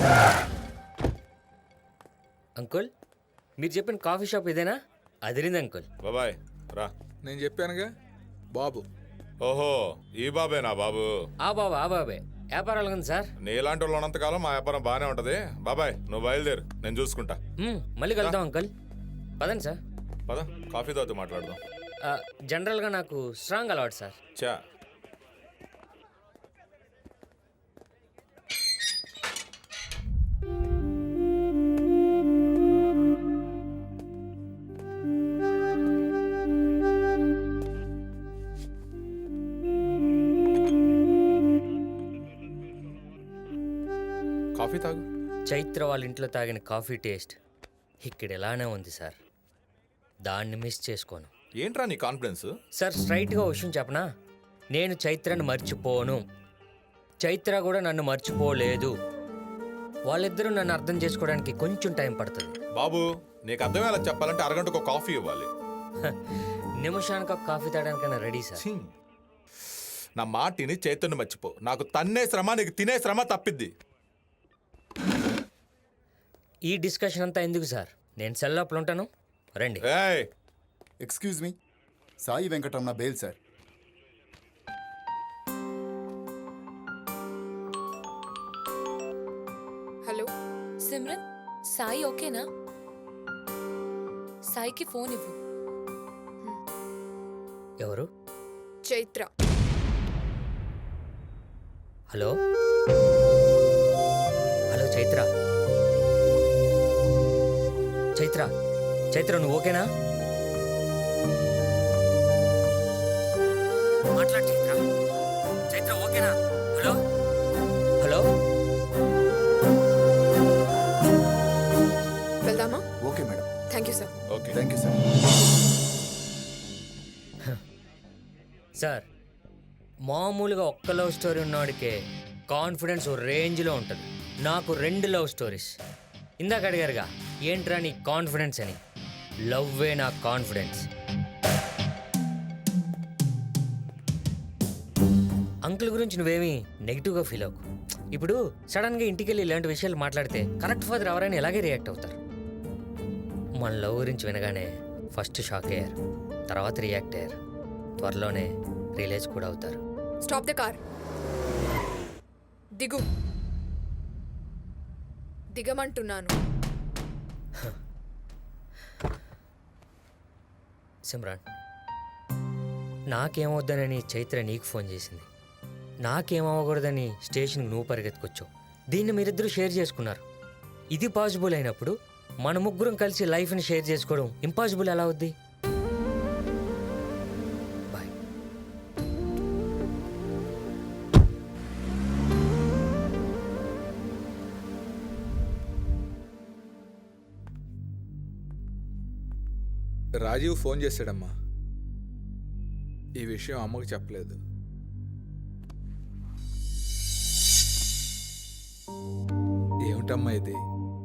Uncle మీరు చెప్పిన coffee shop ఇదేనా? అదిరింది అంకుల్. బాబాయ్ రా. నేను చెప్పానుగా బాబు. ఓహో ఈ బాబేనా బాబు? ఆ బాబే వ్యాపారాలు ఉంది సార్. నీలాంటి వాళ్ళు ఉన్నంతకాలం మా వ్యాపారం బాగానే ఉంటది. బాబాయ్ నువ్వు బయలుదేరు, నేను చూసుకుంటా. మళ్ళీ కలుద్దాం అంకుల్. పదండి సార్. పద కాఫీ తాగుతూ మాట్లాడదాం. జనరల్గా నాకు స్ట్రాంగ్ అలవాటు సార్. చా కాఫీ తాగు. చైత్ర వాళ్ళ ఇంట్లో తాగిన కాఫీ టేస్ట్ ఇక్కడ ఎలానే ఉంది సార్. దాన్ని మిస్ చేసుకోను. ఏంట్రా నీ కాన్ఫిడెన్స్? సార్ స్ట్రైట్గా విషయం చెప్పనా? నేను చైత్రను మర్చిపోను, చైత్ర కూడా నన్ను మర్చిపోలేదు. వాళ్ళిద్దరూ నన్ను అర్థం చేసుకోవడానికి కొంచెం టైం పడుతుంది. బాబు నీకు అర్థమయ్యేలా చెప్పాలంటే అరగంటకు ఒక కాఫీ ఇవ్వాలి. నిమిషానికి ఒక కాఫీ తాగడానికైనా రెడీ సార్. ఛీ. నా మాటిని చైతన్యం మర్చిపో. నాకు తన్నే శ్రమ, నీకు తినే శ్రమ తప్పిద్ది. ఈ డిస్కషన్ అంతా ఎందుకు సార్? నేను సెల్ లోపల ఉంటాను, రండి. ఏయ్ excuse me, Sai Venkataramana bail sir. Hello Simran, Sai ఓకేనా? సాయికి ఫోన్ ఇవ్వు. ఎవరు? చైత్ర. Hello hello Chaitra. చైత్ర చైత్ర నువ్వు ఓకేనా? మాట్లాడు చైత్ర. చైత్ర ఓకేనా? Hello hello. వెళ్దామా? Okay madam. Thank you sir. Okay thank you sir. Sir మామూలుగా ఒక్క లవ్ స్టోరీ ఉన్నవాడికే కాన్ఫిడెన్స్ ఓ రేంజ్లో ఉంటుంది. నాకు 2 లవ్ స్టోరీస్. ఇందాక అడిగారుగా ఏంట్రా నీ కాన్ఫిడెన్స్ అని. లవ్వే నా కాన్ఫిడెన్స్. అంకుల్ గురించి నువ్వేమీ నెగిటివ్గా ఫీల్ అవ్వకు. ఇప్పుడు సడన్గా ఇంటికి వెళ్ళి ఇలాంటి విషయాలు మాట్లాడితే కరెక్ట్ ఫాదర్ ఎవరైనా ఎలాగే రియాక్ట్ అవుతారు. మన లవ్ గురించి వినగానే ఫస్ట్ షాక్ అయ్యారు, తర్వాత రియాక్ట్ అయ్యారు, త్వరలోనే రియలైజ్ కూడా అవుతారు. Stop the car. దిగు. దిగమంటున్నాను. సిమ్రాన్, నాకేమవుద్దనని చైత్ర నీకు ఫోన్ చేసింది, నాకేమవ్వకూడదని స్టేషన్కి నువ్వు పరిగెత్తుకొచ్చావు. దీన్ని మీరిద్దరూ షేర్ చేసుకున్నారు. ఇది పాసిబుల్ అయినప్పుడు మన ముగ్గురం కలిసి లైఫ్ని షేర్ చేసుకోవడం ఇంపాసిబుల్ ఎలా అవుద్ది? బాయ్. రాజీవ్ ఫోన్ చేశాడమ్మా. ఈ విషయం అమ్మకు చెప్పలేదు. ఏమిటమ్మా ఇది?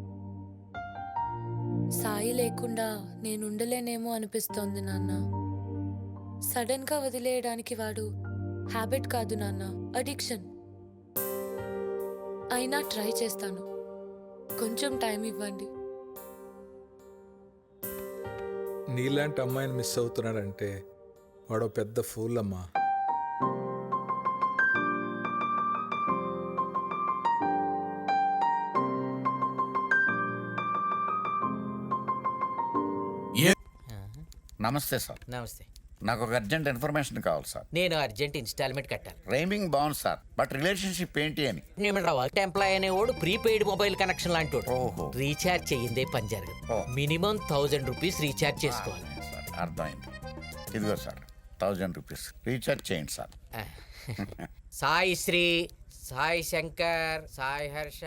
సాయి లేకుండా నేను ఉండలేనేమో అనిపిస్తోంది నాన్న. సడన్ గా వదిలేయడానికి వాడు హ్యాబిట్ కాదు నాన్న, అడిక్షన్. అయినా ట్రై చేస్తాను. కొంచెం టైం ఇవ్వండి. నీలాంటి అమ్మాయిని మిస్ అవుతున్నాడంటే వాడు పెద్ద ఫూల్ అమ్మా. నమస్తే సార్. నమస్తే. నాకు ఒక అర్జెంట్ ఇన్ఫర్మేషన్ కావాలి సార్. నేను అర్జెంట్ ఇన్స్టాల్మెంట్ కట్టాలి. రైమింగ్ బాగుంది సార్, బట్ రిలేషన్షిప్ ఏంటి అని. ఎంప్లాయ్ అనేవాడు ప్రీపెయిడ్ మొబైల్ కనెక్షన్ లాంటి ఓహో. రీఛార్జ్ చెయ్యిందే పని జరగదు. ఓ. మినిమం 1000 రూపీస్ రీఛార్జ్ చేసుకోవాలి. సార్ అర్థమైంది. ఇదిగో సార్ 1000 రూపీస్ రీఛార్జ్ చేయండి సార్. సాయి శ్రీ, సాయి శంకర్, సాయి హర్ష.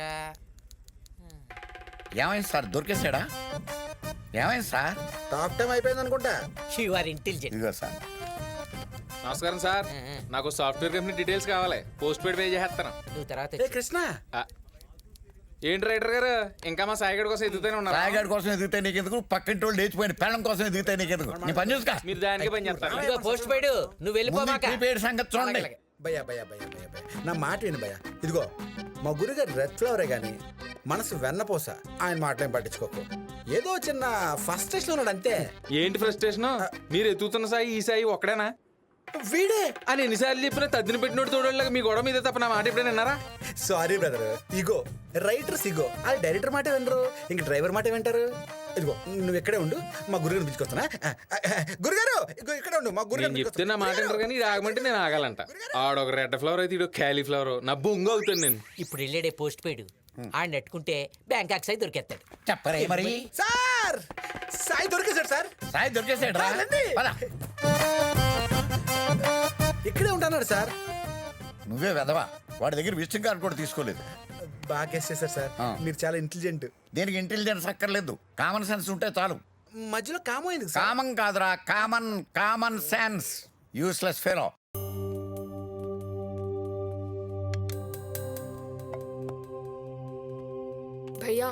ఏమైంది సార్, దొరికేసాడా? ఏమైంది సార్? టాక్ టైం అయిపోయింది అనుకుంటా. You are intelligent. ఇదిగో సార్. నమస్కారం సార్, నాకు సాఫ్ట్వేర్ కంపెనీ డీటెయిల్స్ కావాలి. పోస్ట్ పెయిడ్ పే చేస్తాను. నువ్వు తర్వాత ఏ కృష్ణ, ఏంటి రైటర్ గారు ఇంకా మా సాయిగడ్ కోసం ఎదుగుతూనే ఉన్నారు. రాయగాడి కోసం ఎదిగితే నీకెందుకు, పక్కింటి వాళ్ళు లేచిపోయిన పెళ్ళం కోసం ఎదిగితే నీకెందుకు? నీ పని చూసుకో. మీరు దానికి పని చేస్తారు. ఇదిగో పోస్ట్ పెయిడ్, నువ్వు వెళ్ళిపోమాక. ప్రీపెయిడ్ సంగతి చూడండి. భయ్యా భయ్యా భయ్యా భయ్యా భయ్యా నా మాట ఏంటి భయ్యా. ఇదిగో మా గురుగారు రెడ్ ఫ్లవరే కానీ మనసు వెన్నపోస. ఆయన మాటలేం పట్టించుకోకు. ఏదో చిన్న ఫ్రస్ట్రేషన్ ఉన్నాడు అంతే. ఏంటి ఫ్రస్ట్రేషన్? మీరు ఎత్తుతున్న సాయి ఈ సాయి ఒక్కడేనా వీడే అని ఎన్నిసార్లు చెప్పినా తద్దిన పెట్టినోడు తోడోళ్ళగా మీ గొడవ మీద తప్ప నా మాట ఎప్పుడైనా విన్నారా? Sorry brother, ego writers ego. ఆ డైరెక్టర్ మాట వినరు, ఇంక డ్రైవర్ మాట వింటారు. ఇదిగో నువ్వు ఇక్కడే ఉండు, మా గురుగారిని పిలుచుకొస్తానా? గురుగారు ఇగో ఇక్కడే ఉండు, మా నేను చెప్తే నా మాట వింటారు కానీ ఇది ఆగమంటే నేను ఆగాలంట. ఆడొక రెడ్ ఫ్లవర్ అయితే ఇడు క్యాలీఫ్లవర్. నా బొంగు అవుతాను నేను. ఇప్పుడు వెళ్ళాడే పోస్ట్ పెయిడ్ ఆడ నెట్టుకుంటే బ్యాంకాక్ సై దొరికేస్తాడు. చెప్పరే మరి. సార్ సాయి దొరికేశాడు సార్. సాయి దొరికేసాడు రా. రండి. పద. ఇక్కడే ఉంటాన్నాడు సార్. నువ్వే వెదవా, వాడి దగ్గర విజిటింగ్ కార్డు కూడా తీసుకోలేదు. బాగా గెస్ చేశారు సార్, మీరు చాలా ఇంటెలిజెంట్. దీనికి ఇంటెలిజెన్స్ అక్కర్లేదు, కామన్ సెన్స్ ఉంటే చాలు. మధ్యలో కామైంది సార్. కామన్ కాదురా, కామన్ సెన్స్. Useless fellow. భయ్యా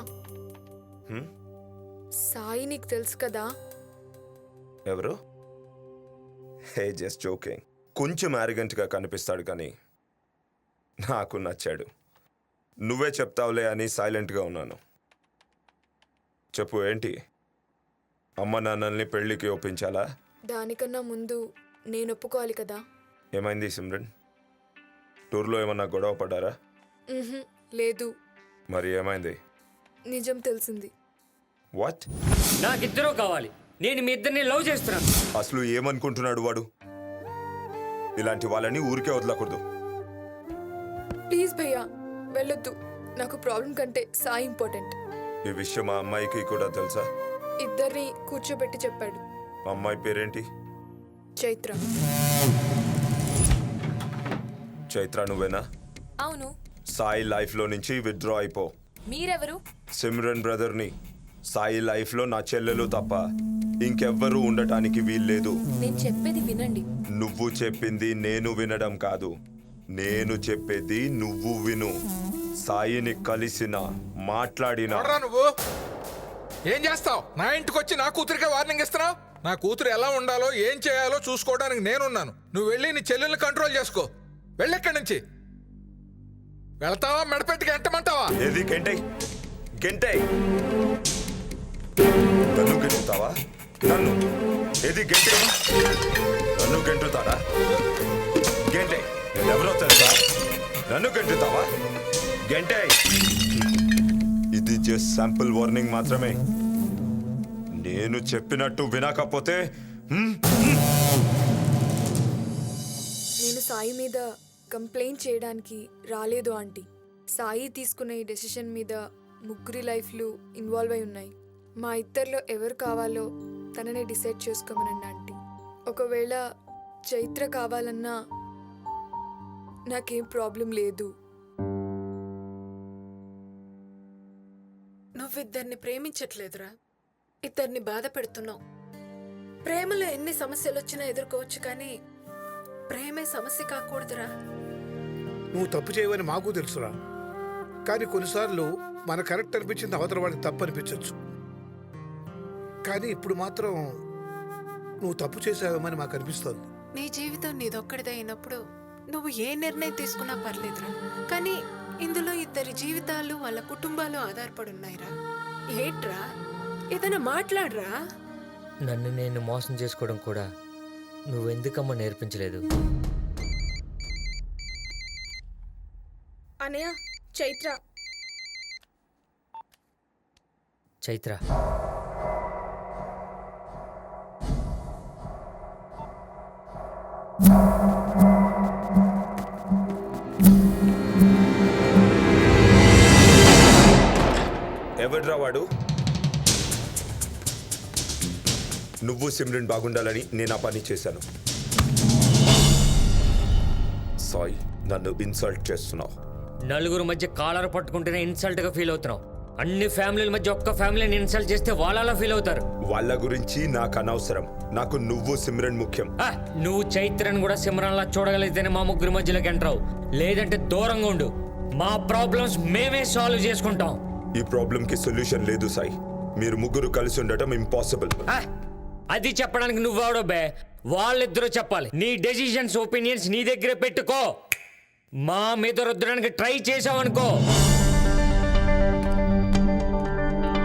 సాయి నీకు తెలుసు కదా. ఎవరు? Hey just joking. కొంచెం arrogant-గా కనిపిస్తాడు కానీ నాకు నచ్చాడు. నువ్వే చెప్తావులే అని సైలెంట్గా ఉన్నాను. చెప్పు, ఏంటి? అమ్మ నాన్నల్ని పెళ్ళికి ఒప్పించాలా? దానికన్నా ముందు నేను ఒప్పుకోవాలి కదా. ఏమైంది సిమ్రన్? టూర్లో ఏమన్నా గొడవ పడ్డారా? లేదు, మరి ఏమైంది? నిజం తెలిసింది. వాట్? నాకిద్దరూ కావాలి. నేను మీ ఇద్దరిని లవ్ చేస్తున్నాను. అసలు ఏమనుకుంటున్నాడు వాడు? ఇలాంటి వాళ్ళని ఊరికే వదలకూడదు. ప్లీజ్ భయ్యా వెళ్ళొద్దు. నాకు ప్రాబ్లం కంటే సాయి ఇంపార్టెంట్. ఈ విషయం మా అమ్మాయికి కూడా తెలుసా? ఇద్దరిని కూర్చోబెట్టి చెప్పాడు. అమ్మాయి పేరేంటి? చైత్ర. చైత్ర నువ్వేనా? అవును. సాయి లైఫ్లో నుంచి విత్డ్రా అయిపో. మీరెవరు? సిమ్రన్ బ్రదర్ని. సాయి లైఫ్లో నా చెల్లెలు తప్ప ఇంకెవ్వరూ ఉండటానికి వీల్లేదు. నేను చెప్పేది వినండి. నువ్వు చెప్పింది నేను వినడం కాదు, నేను చెప్పేది నువ్వు విను. సాయిని కలిసిన మాట్లాడినా ఎవడ్రా నువ్వు? ఏం చేస్తావు? నా ఇంటికి వచ్చి నా కూతురికే వార్నింగ్ ఇస్తున్నావు? నా కూతురు ఎలా ఉండాలో ఏం చేయాలో చూసుకోవడానికి నేనున్నాను. నువ్వు వెళ్ళి నీ చెల్లెల్ని కంట్రోల్ చేసుకో. వెళ్ళెక్కడి నుంచి వెళ్తావా? మెడపెట్టి గెంటమంటావా? ఏది గంటే గంటే నన్ను గెంటుతావా? నన్ను ఏది గంటే? నన్ను గెంటుతాడా? గంటే నేనెవరో తెలుసా? నన్ను గెంటుతావా? గంటే ఇది జస్ట్ శాంపుల్ వార్నింగ్ మాత్రమే. నేను చెప్పినట్టు వినకపోతే నేను సాయి మీద కంప్లైంట్ చేయడానికి రాలేదు ఆంటీ. సాయి తీసుకున్న ఈ డెసిషన్ మీద ముగ్గురి లైఫ్లు ఇన్వాల్వ్ అయి ఉన్నాయి. మా ఇద్దరిలో ఎవరు కావాలో తననే డిసైడ్ చేసుకోమనండి ఆంటీ. ఒకవేళ చైత్ర కావాలన్నా నాకేం ప్రాబ్లం లేదు. నువ్విద్దరిని ప్రేమించట్లేదురా, ఇద్దరిని బాధ పెడుతున్నావు. ప్రేమలో ఎన్ని సమస్యలు వచ్చినా ఎదుర్కోవచ్చు, కానీ ప్రేమే సమస్య కాకూడదురా. నువ్వు తప్పు చేయవని మాకు తెలుసురా, కానీ కొన్నిసార్లు మన కరెక్ట్ అనిపించింది అవతల వాడికి తప్పు అనిపించవచ్చు. కానీ ఇప్పుడు మాత్రం నువ్వు తప్పు చేసావేమని మాకు అనిపిస్తోంది. నీ జీవితం నీదొక్కడిదే అయినప్పుడు నువ్వు ఏ నిర్ణయం తీసుకున్నా పర్లేదురా, కానీ ఇందులో ఇద్దరి జీవితాలు వాళ్ళ కుటుంబాలు ఆధారపడి ఉన్నాయిరా. ఏంట్రా, ఏదైనా మాట్లాడరా. నన్ను నేను మోసం చేసుకోవడం కూడా నువ్వెందుకమ్మా నేర్పించలేదు? అనయ్య, చైత్ర. చైత్ర ఎవడ్రా వాడు? నువ్వు సిమ్రన్ బాగుండాలని నేను ఆ పని చేశాను. సాయి, నన్ను ఇన్సల్ట్ చేస్తున్నావు. నలుగురు మధ్య కాలర్ పట్టుకుంటేనే ఇన్సల్ట్గా ఫీల్ అవుతున్నావు. అన్ని ఫ్యామిలీల మధ్య ఒక్క ఫ్యామిలీని ఇన్సల్ట్ చేస్తే వాళ్ళలా ఫీల్ అవుతారు. వాళ్ళ గురించి నాకు అనవసరం. నాకు నువ్వు సిమ్రన్ ముఖ్యం. నువ్వు చైత్రను కూడా సిమ్రన్లా చూడగలిగితేనే మా ముగ్గురి మధ్యలోకి ఎంటర్ అవు, లేదంటే దూరంగా ఉండు. మా ప్రాబ్లమ్స్ మేమే సాల్వ్ చేసుకుంటాం. ఈ ప్రాబ్లంకి సొల్యూషన్ లేదు సాయి. మీరు ముగ్గురు కలిసి ఉండటం ఇంపాసిబుల్. అది చెప్పడానికి నువ్వెవడో బే? వాళ్ళిద్దరూ చెప్పాలి. నీ డెసిషన్స్ ఒపీనియన్స్ నీ దగ్గరే పెట్టుకో. మా మీద రుద్దడానికి ట్రై చేసావనుకో